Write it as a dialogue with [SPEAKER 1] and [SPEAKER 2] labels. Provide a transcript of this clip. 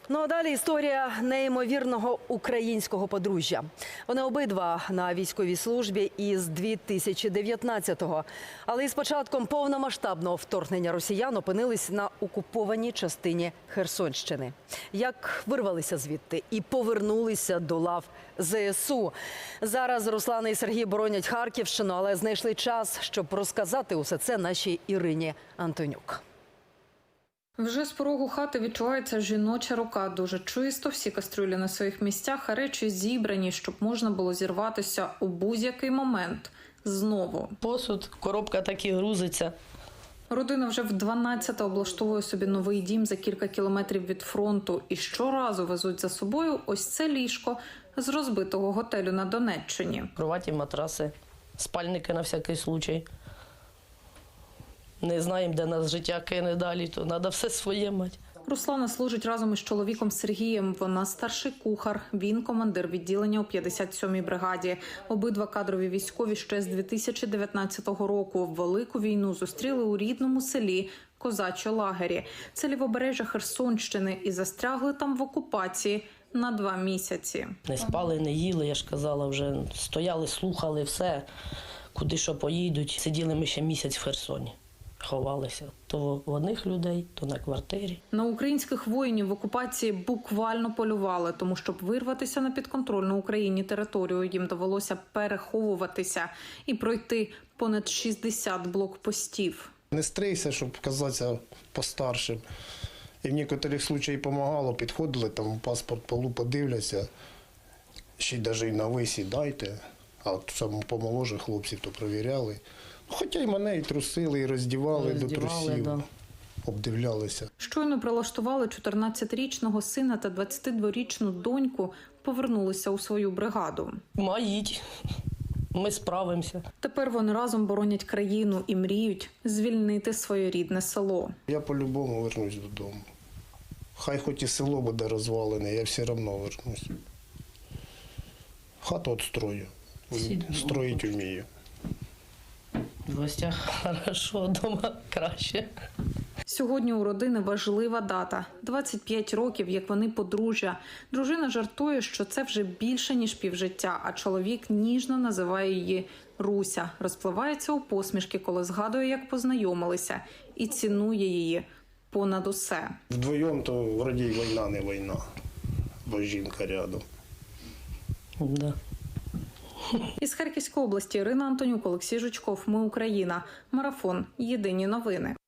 [SPEAKER 1] Ну а далі історія неймовірного українського подружжя. Вони обидва на військовій службі із 2019-го. Але із початком повномасштабного вторгнення росіян опинились на окупованій частині Херсонщини. Як вирвалися звідти і повернулися до лав ЗСУ. Зараз Руслан і Сергій боронять Харківщину, але знайшли час, щоб розказати усе це нашій Ірині Антонюк.
[SPEAKER 2] Вже з порогу хати відчувається жіноча рука. Дуже чисто, всі кастрюлі на своїх місцях, а речі зібрані, щоб можна було зірватися у будь-який момент. Знову.
[SPEAKER 3] Посуд, коробка так і грузиться.
[SPEAKER 2] Родина вже в 12-те облаштовує собі новий дім за кілька кілометрів від фронту. І щоразу везуть за собою ось це ліжко з розбитого готелю на Донеччині.
[SPEAKER 3] Кроваті, матраси, спальники на всякий случай. Не знаємо, де нас життя кине далі, то треба все своє мати.
[SPEAKER 2] Руслана служить разом із чоловіком Сергієм. Вона старший кухар, він командир відділення у 57-й бригаді. Обидва кадрові військові ще з 2019 року. Велику війну зустріли у рідному селі Козачі Лагері. Це лівобережжя Херсонщини, і застрягли там в окупації на 2 місяці.
[SPEAKER 3] Не спали, не їли, я ж казала, вже стояли, слухали все, куди що поїдуть. Сиділи ми ще місяць в Херсоні. Ховалися то в одних людей, то на квартирі.
[SPEAKER 2] На українських воїнів в окупації буквально полювали, тому щоб вирватися на підконтрольну Україні територію, їм довелося переховуватися і пройти понад 60 блокпостів.
[SPEAKER 4] Не стригся, щоб казатися постаршим. І в деяких случаях допомагало, підходили, там паспорт полу подивляться, ще й навіть на ви сідайте, а от саме помоложе хлопців то перевіряли. Хоча й мене і трусили, і роздівали до трусів, да. Обдивлялися.
[SPEAKER 2] Щойно прилаштували 14-річного сина та 22-річну доньку, повернулися у свою бригаду.
[SPEAKER 3] Маїть, ми справимося.
[SPEAKER 2] Тепер вони разом боронять країну і мріють звільнити своє рідне село.
[SPEAKER 4] Я по-любому вернусь додому. Хай хоч і село буде розвалене, я все одно вернусь. Хату відстрою, строїть вмію.
[SPEAKER 3] В гостях хорошо, вдома краще.
[SPEAKER 2] Сьогодні у родини важлива дата – 25 років, як вони подружжя. Дружина жартує, що це вже більше, ніж півжиття, а чоловік ніжно називає її Руся. Розпливається у посмішки, коли згадує, як познайомилися, і цінує її понад усе.
[SPEAKER 4] Вдвоєм то вроді й війна не війна, бо жінка рядом.
[SPEAKER 3] Да.
[SPEAKER 2] Із Харківської області Ірина Антонюк, Олексій Жучков. Ми Україна. Марафон. Єдині новини.